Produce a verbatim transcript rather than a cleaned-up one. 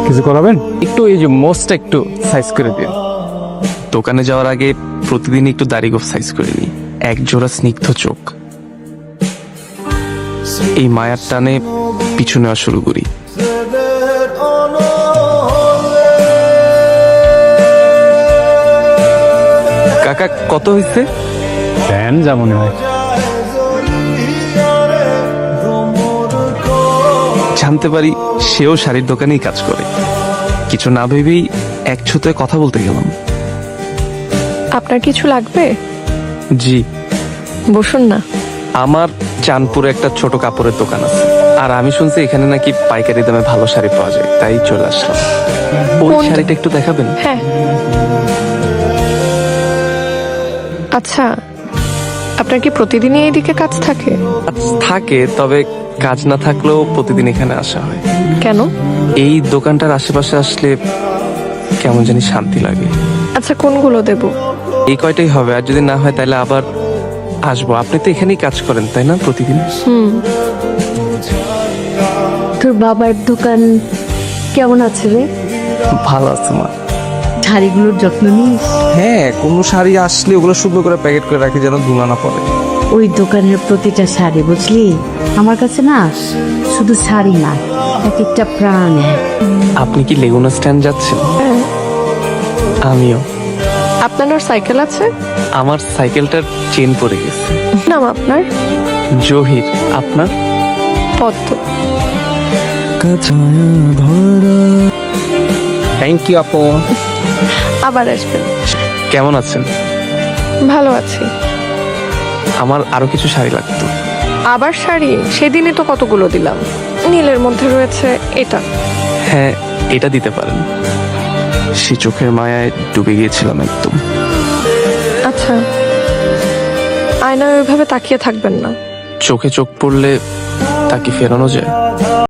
কিছু করাবেন? একটু এই যে মোস্টটা একটু সাইজ করে দিন। দোকানে যাওয়ার আগে প্রতিদিন একটু দাড়ি গোফ সাইজ করে নিই। এক জোড়া স্নিগ্ধ চোখ, এই মায়ার টানে পিছু নেওয়া শুরু করি। কাকা কত হয়েছে? দেন যা মনে হয়। জানতে পারি সেও শাড়ির দোকানেই কাজ করে। কিছু না ভেবেই এক ছুতে কথা বলতে গেলাম। আপনার কিছু লাগবে? জি, বসুন না। আমার চাঁদপুরে একটা ছোট কাপড়ের দোকান আছে, আর আমি শুনছি এখানে নাকি পাইকারি দামে ভালো শাড়ি পাওয়া যায়, তাই চলে আসলাম। ওই কোন- শাড়িটা একটু দেখাবেন? হ্যাঁ। আচ্ছা, আপনার কি প্রতিদিনই এইদিকে কাজ থাকে? কাজ থাকে, তবে কাজ না থাকলেও প্রতিদিন এখানে আসা হয়। কেন? এই দোকানটার আশেপাশে আসলে কেমন জানি শান্তি লাগে। আচ্ছা, কোনগুলো দেব? এই কয়টাই হবে, আর যদি না হয় তাহলে আবার আসবো। আপনি তো এখানেই কাজ করেন তাই না, প্রতিদিন? হুম। তোর বাবার দোকান কেমন আছে রে? ভালো আছে মা। শাড়িগুলোর যত্ন নিস? হ্যাঁ, কোনো শাড়ি আসলে ওগুলো সুন্দর করে প্যাকেট করে রাখি যেন ধুলা না পড়ে। ওই দোকানের প্রতিটা শাড়ি বুঝলি, আমার কাছে না শুধু শাড়ি না, এক একটা প্রাণ। আপনি কি লেগুনা স্ট্যান্ড যাচ্ছেন? হ্যাঁ। আমিও। আপনার আর সাইকেল আছে? আমার সাইকেলটার চেন পড়ে গেছে। নাম আপনার? জহির। আপনার? পদ্ম। থ্যাংক ইউ আপু। আবার আসবেন। কেমন আছেন? ভালো আছি। আমার আরো কিছু শাড়ি লাগতো। আবার শাড়ি? সেদিনই তো কতগুলো দিলাম। নীলের মধ্যে রয়েছে এটা। হ্যাঁ, এটা দিতে পারেন। সে চোখের মায়ায় ডুবে গিয়েছিলাম একদম। আচ্ছা, আয়নায় ওইভাবে তাকিয়ে থাকবেন না। চোখে চোখ পড়লে তা কি ফেরানো যায়?